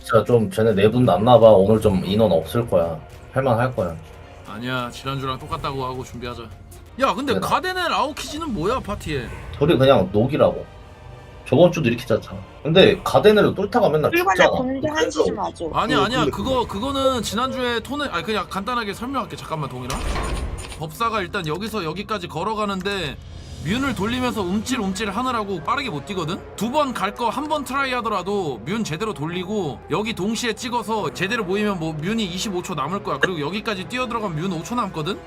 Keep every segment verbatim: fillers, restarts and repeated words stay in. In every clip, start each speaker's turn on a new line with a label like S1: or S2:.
S1: 진짜 좀 쟤네 내분 났나봐. 오늘 좀 인원 없을 거야. 할만할 거야.
S2: 아니야 지난주랑 똑같다고 하고 준비하자. 야 근데
S1: 네.
S2: 가데넬 아오키지는 뭐야 파티에?
S1: 둘이 그냥 녹이라고. 저번 주도 이렇게 짰잖아. 근데 가데넬로 뚫다가 맨날
S3: 불관에
S1: 죽잖아.
S3: 공개 한시 좀 하죠.
S2: 아니야
S4: 어,
S2: 아니야
S4: 근데
S2: 그거 그거는 지난주에 톤을 아니 그냥 간단하게 설명할게. 잠깐만 동일아. 법사가 일단 여기서 여기까지 걸어가는데 뮨을 돌리면서 움찔움찔 하느라고 빠르게 못 뛰거든? 두 번 갈 거 한 번 트라이 하더라도 뮨 제대로 돌리고 여기 동시에 찍어서 제대로 모이면 뭐 뮨이 이십오 초 남을 거야. 그리고 여기까지 뛰어 들어가면 뮨 오 초 남거든?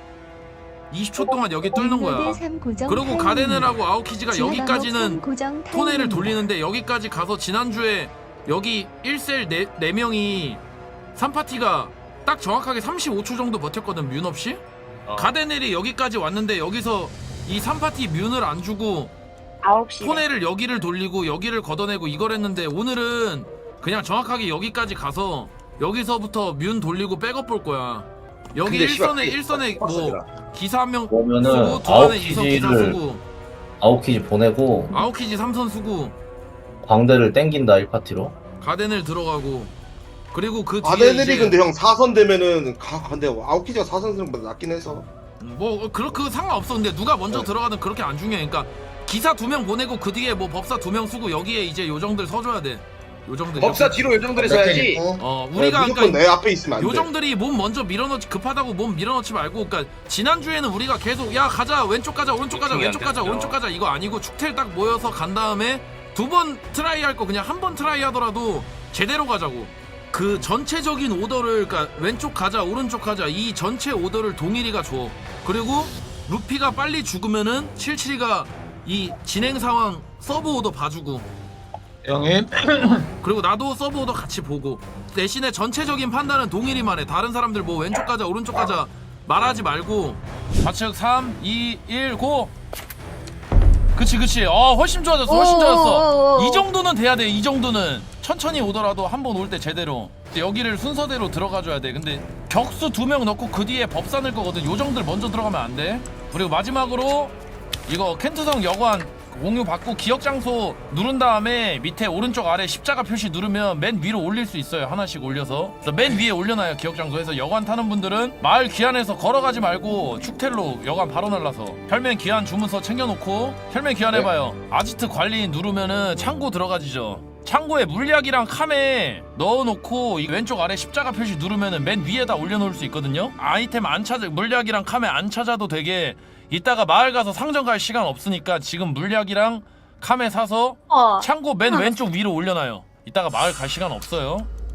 S2: 이십 초 동안 여기 뚫는 거야. 그리고 가데넬하고 아오키지가 여기까지는 토네를 돌리는데 여기까지 가서 지난주에 여기 일 셀 네 명이 삼 파티가 딱 정확하게 삼십오 초 정도 버텼거든 뮨 없이?
S5: 어.
S2: 가데넬이 여기까지 왔는데 여기서 이 삼 파티 뮨을 안 주고
S3: 아홉 시.
S2: 토네를 여기를 돌리고 여기를 걷어내고 이걸 했는데 오늘은 그냥 정확하게 여기까지 가서 여기서부터 뮨 돌리고 백업 볼 거야. 여기
S4: 근데 씨발,
S2: 일선에
S4: 그게
S2: 일선에 뭐
S4: 빡세더라.
S2: 기사 한 명
S1: 그러면은
S2: 쓰고 두 안에 이선 기사
S1: 아웃키지를
S2: 쓰고
S1: 아웃키지 보내고
S2: 아오키지 삼 선 쓰고
S1: 광대를 땡긴다 일 파티로.
S2: 가데넬 들어가고 그리고 그 뒤에
S4: 아데넬이
S2: 이제
S4: 근데 형 사 선 되면은 가 근데 아웃키지가 사 선 쓰는 보다 낫긴 해서.
S2: 음, 뭐 그렇 그 상관없어. 근데 누가 먼저
S4: 네.
S2: 들어가든 그렇게 안 중요해. 그러니까 기사 두 명 보내고 그 뒤에 뭐 법사 두 명 쓰고 여기에 이제 요정들 서줘야 돼. 요정들
S5: 법사 뒤로 요정들이 서야지.
S2: 어
S4: 네,
S2: 우리가
S4: 무조건
S2: 그러니까
S4: 내 앞에 있으면 안 돼.
S2: 요정들이 몸 먼저 밀어넣지 급하다고 몸 밀어넣지 말고 그러니까 지난주에는 우리가 계속 야 가자 왼쪽 가자 오른쪽 가자
S5: 요청이 안
S2: 왼쪽 가자
S5: 됐죠.
S2: 오른쪽 가자 이거 아니고 축텔 딱 모여서 간 다음에 두 번 트라이 할 거 그냥 한 번 트라이 하더라도 제대로 가자고. 그 전체적인 오더를 그러니까 왼쪽 가자 오른쪽 가자 이 전체 오더를 동일이가 줘. 그리고 루피가 빨리 죽으면은 칠칠이가 이 진행 상황 서브 오더 봐주고
S6: 형님
S2: 그리고 나도 서브 오더 같이 보고 대신에 전체적인 판단은 동일이만 해. 다른 사람들 뭐 왼쪽 가자 오른쪽 가자 말하지 말고 좌측 삼, 이, 일, 고! 그치 그치 어 훨씬 좋아졌어 훨씬 좋아졌어. 이 정도는 돼야 돼. 이 정도는 천천히 오더라도 한 번 올 때 제대로 여기를 순서대로 들어가줘야 돼. 근데 격수 두 명 넣고 그 뒤에 법사 넣을 거거든. 요정들 먼저 들어가면 안 돼. 그리고 마지막으로 이거 켄트성 여관 공유 받고 기억 장소 누른 다음에 밑에 오른쪽 아래 십자가 표시 누르면 맨 위로 올릴 수 있어요. 하나씩 올려서. 그래서 맨 위에 올려놔요. 기억 장소에서 여관 타는 분들은 마을 귀환에서 걸어가지 말고 축텔로 여관 바로 날라서 혈맹 귀환 주문서 챙겨놓고 혈맹 귀환 해봐요. 아지트 관리인 누르면은 창고 들어가지죠. 창고에 물약이랑 캄에 넣어놓고 이 왼쪽 아래 십자가 표시 누르면은 맨 위에다 올려놓을 수 있거든요. 아이템 안 찾아 물약이랑 캄에 안 찾아도 되게 이따가 마을 가서 상점 갈 시간 없으니까 지금 물약이랑 캄에 사서
S3: 어.
S2: 창고 맨 왼쪽 위로 올려놔요. 이따가 마을 갈 시간 없어요.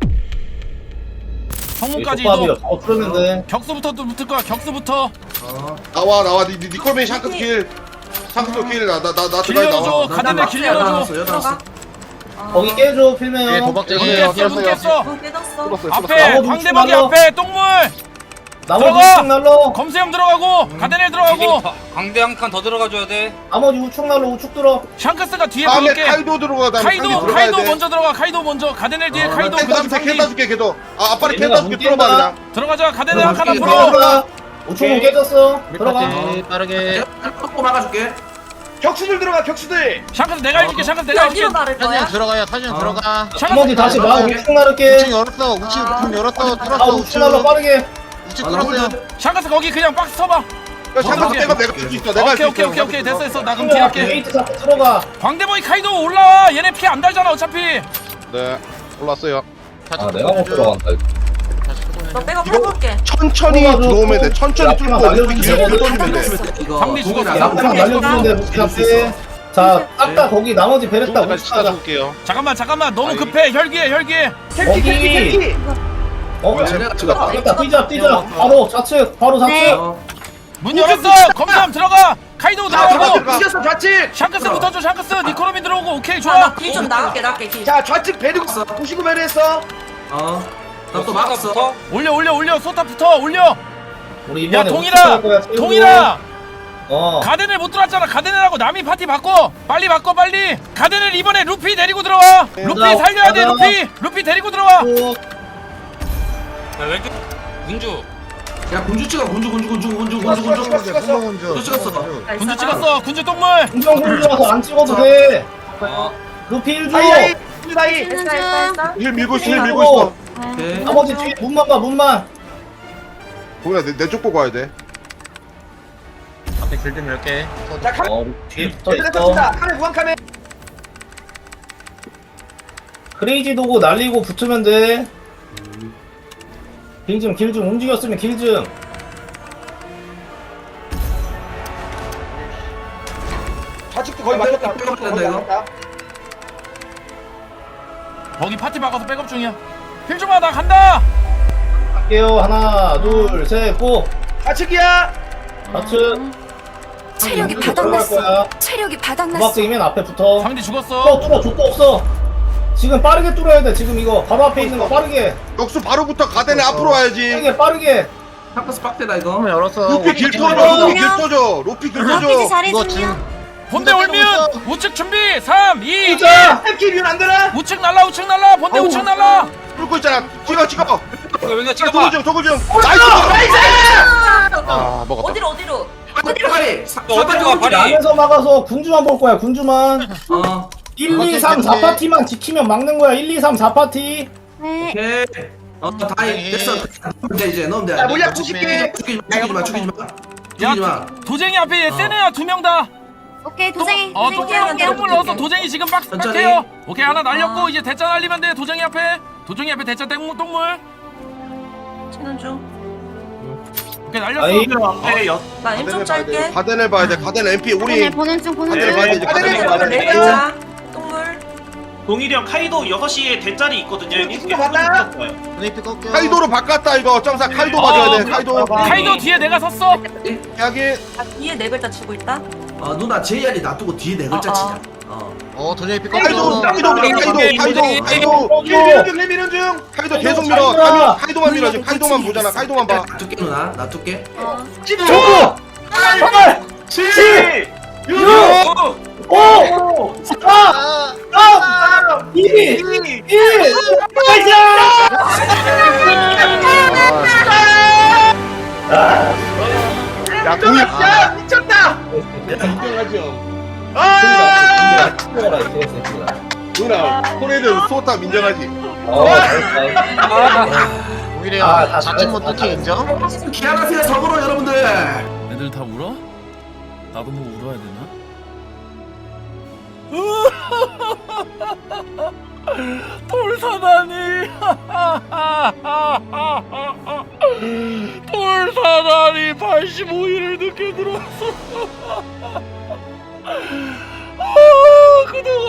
S2: 성문까지
S1: 족밥이요.
S2: 이동.
S1: 어 뚫으면 돼.
S2: 격수부터 또 붙을 거야. 격수부터.
S4: 나와 나와 니 니콜맨 샹크스 킬. 샹크스 킬. 나 나 나나
S2: 길 열어줘. 가데넬 길 열어줘.
S3: 들어가.
S1: 거기 깨줘 필메요.
S6: 예, 도박쟁이.
S2: 문
S6: 네,
S2: 깼어. 문
S6: 알겠어요.
S2: 깼어.
S3: 문 깨졌어.
S4: 뚫었어요.
S2: 앞에
S1: 나머지
S2: 광대박이
S1: 우측
S2: 앞에 똥물.
S1: 나머지
S2: 들어가!
S1: 우측 날로.
S2: 검수형 들어가고 가데넬 들어가고
S5: 광대 한 칸 더 들어가줘야 돼.
S1: 나머지 우측 날로 우측 들어.
S2: 샹크스가 뒤에
S4: 다음에
S2: 들어올게.
S4: 카이도 들어가 다음에
S2: 카이도
S4: 들어가야
S2: 카이도
S4: 돼.
S2: 먼저 들어가. 카이도 먼저. 가데넬 뒤에 카이도
S4: 캔
S2: 그다음
S4: 다줄게 캔
S2: 상디.
S4: 다줄게 걔도. 아 앞발이 캔
S1: 얘네가
S4: 다줄게
S1: 문
S4: 뚫어봐
S1: 뛴다.
S4: 그냥.
S2: 들어가자. 가데넬 한 칸 앞으로.
S1: 들어가. 우측 문 깨졌어. 들어가.
S6: 밀파티 빠르게
S7: 꺾고 막아줄게.
S5: 격수들 들어가 격수들.
S2: 샹크스 내가 해줄게. 샹크스 내가
S3: 어디로
S2: 해줄게.
S3: 나를 거야?
S6: 사진 들어가요 사진
S7: 어.
S6: 들어가
S1: 나머지 다시 나
S7: 들어갈게.
S1: 우측 나를게.
S6: 우측 열었어 우측 문 열었어
S1: 아
S6: 뚫었어
S1: 우측
S6: 우측
S1: 날로 빠르게.
S6: 우측
S7: 아, 나
S6: 뚫었어요
S7: 홀드.
S2: 샹크스 거기 그냥 박스 서봐.
S4: 야 샹크스
S2: 오케이.
S4: 내가 내가 줄수 있어. 내가 할수
S2: 오케이 오케이
S4: 있어.
S2: 오케이 오케이 됐어 됐어. 나 그럼 뒤에 할게.
S1: 게이트 잡고 들어가.
S2: 광대보이 카이도 올라와. 얘네 피 안 달잖아 어차피.
S4: 네 올랐어요.
S1: 아 내가 못 들어간다.
S3: 너 백업 해볼게.
S4: 천천히
S1: 들어가줘.
S4: 들어오면 돼. 천천히
S1: 앞에만
S4: 뚫고
S1: 날려주면
S4: 이렇게
S1: 돼.
S4: 돌리면 돼.
S7: 이거
S2: 상대 죽었어.
S7: 동일아,
S2: 상대
S1: 앞에만
S2: 죽었어.
S1: 날려주면 돼. 루피 앞에. 자, 딱 다 거기 나머지 베레타 우측 가자.
S2: 잠깐만 잠깐만 너무 급해. 혈기해 혈기해.
S1: 거기. 어?
S7: 내가
S1: 아, 됐다. 뛰자 뛰자. 바로 좌측. 바로 좌측.
S3: 네.
S2: 문 열었어. 검삼 들어가. 카이도 들어가고.
S5: 부셨어 좌측.
S2: 샹크스 붙어줘. 샹크스 니코로미 들어오고. 오케이
S3: 아,
S2: 좋아.
S3: 나길좀 나갈게, 나갈게, 길.
S5: 자 좌측 배드 구십구 배드 했어.
S7: 어. 나또 막았어.
S2: 올려 올려 올려. 소타 붙어 올려.
S1: 우리
S2: 야
S1: 이번에
S2: 동일아
S1: 우측 갈 거야, 세우고.
S2: 동일아.
S1: 어.
S2: 가데넬 못 들어왔잖아. 가데넬하고 남이 파티 바꿔. 빨리 바꿔 빨리. 가데넬 이번에 루피 데리고 들어와. 루피
S1: 나,
S2: 살려야 돼.
S1: 나,
S2: 루피. 루피 데리고 들어와.
S5: 야 왼쪽 민주.
S7: 야 군주 찍어 군주 군주 군주 군주 군주 군주.
S6: 군주
S7: 찍었어.
S2: 군주 찍었어. 군주 똥물.
S1: 공정 공주 와서 안 찍어도 돼.
S5: 어.
S1: 루피 일 주.
S5: 아이, 아이. 군주 사이.
S3: 됐어 됐어 됐어.
S4: 힐 밀고 있어 힐 밀고 있어.
S7: 오케이.
S1: 나머지 뒤에 문만 봐 문만.
S4: 동현아 내쪽 보고 와야 돼.
S6: 앞에 길좀 열게.
S5: 자 카메.
S1: 어 뒤에 붙어
S5: 얘들아
S1: 있어.
S5: 떴습니다. 카메 무한 카메.
S1: 크레이지 도구 날리고 붙으면 돼. 길 좀 길 좀 움직였으면 길 좀.
S5: 좌측도 거의 맞췄다.
S7: 백업 된다, 이거.
S2: 거기 파티 박아서 백업 중이야. 필중아 나 간다.
S1: 갈게요. 하나 둘 셋 고.
S5: 좌측이야.
S1: 좌측.
S8: 체력이
S1: 들어갈 거야.
S8: 바닥났어. 체력이 바닥났어.
S1: 무박등이면 앞에 붙어.
S2: 상대
S1: 뚫어
S2: 죽었어.
S1: 뚫어 족도 없어. 지금 빠르게 뚫어야 돼. 지금 이거 바로 앞에 있는 거 빠르게.
S4: 역수 바로부터 가덴에 앞으로 와야지.
S1: 빠르게 빠르게.
S7: 샤크스 빡대다 이거.
S6: 문 열었어.
S4: 로피 길
S1: 오케이.
S4: 터져. 로피 길 터져. 로피 길
S8: 로피지
S4: 터져.
S8: 잘해주면.
S2: 본대 올면 우측 준비. 삼, 이, 일.
S1: 자.
S5: 탭키 뷰는 안 되나?
S2: 우측 날라 우측 날라. 본대 우측 날라.
S4: 뚫고 있잖아. 찍어 찍어.
S5: 왜
S4: 도굴 중 도굴 중. 나이스. 아 먹었다.
S3: 어디로 어디로?
S7: 어디로 가리? 사-
S5: 어디로 가,
S7: 사파리
S5: 발이?
S1: 안에서 막아서 군주만 볼 거야. 군주만.
S7: 어.
S1: 일, 이, 삼, 사 파티만 지키면 막는 거야. 일, 이, 삼, 사 파티.
S8: 네.
S7: 오케이. 어, 다행 됐어. 넣으면 돼 이제 넣으면 돼.
S5: 야 물약 구십 개.
S7: 죽이지 마, 죽이지 마, 죽이지 마.
S2: 야
S7: 죽이지 마.
S2: 도쟁이 앞에 얘 세네야 두 명 다.
S8: 오케이 도쟁이.
S2: 어
S8: 도쟁이
S2: 똥물
S8: 깨울게.
S2: 똥물 넣어서 도쟁이 지금 박스
S7: 천천히.
S2: 박해요. 오케이 하나 날렸고
S8: 아.
S2: 이제 대짜 날리면 돼. 도쟁이 앞에. 도쟁이 앞에 대짜 똥물 똥물.
S3: 치는 중.
S2: 오케이 날렸어.
S1: 아이.
S3: 나 임 좀 짧게.
S4: 가덴을 봐야 돼. 가덴 엠피 우리
S8: 보내 보낸 중 보낸
S4: 가덴을 봐야 돼.
S8: 중.
S4: 이제
S5: 가덴을
S4: 가덴을
S5: 봐야
S4: 봐야
S5: 돼.
S4: 돼.
S3: 네 글자. 동물.
S9: 동일이 형 카이도 여섯 시에 대짜리 있거든요. 여기
S5: 누구 봤나?
S6: 레이피 꺾여.
S4: 카이도로 바꿨다 이거. 점사 카이도 봐줘야 돼. 카이도.
S2: 카이도 뒤에 내가 섰어.
S4: 여기
S3: 아 뒤에 네 글자 치고 있다.
S7: 어 누나 제이알이 놔두고 뒤에 네 글자
S3: 어, 어.
S7: 치자. 어.
S6: 어 도제이피
S4: 카이도
S6: 꺾여.
S4: 카이도 밀어. 카이도 카이도 카이도
S5: 힐 미는 중. 힐 미는 중.
S4: 카이도 계속 밀어. 카이도 카이도만 밀어. 지금 카이도만 보잖아. 카이도만 봐.
S7: 놔둘게 누나. 놔둘게.
S8: 어.
S1: 조구. 팔, 칠, 육, 오, 사, 삼, 이, 일.
S4: 야 동일.
S5: 야 미쳤다.
S4: 인정하죠.
S5: 아.
S4: 누나 코레드 소타 인정하지.
S1: 어, 잘했다.
S6: 오히려
S1: 아, 다
S6: 자칫
S1: 잘했어,
S6: 못해
S1: 다
S6: 인정.
S7: 기안하세요 서브로 여러분들.
S2: 애들 다 울어? 나도 뭐 울어야 되나? 돌사다니 돌사다니 팔십오 일을 늦게 들어왔어. 아, 그동안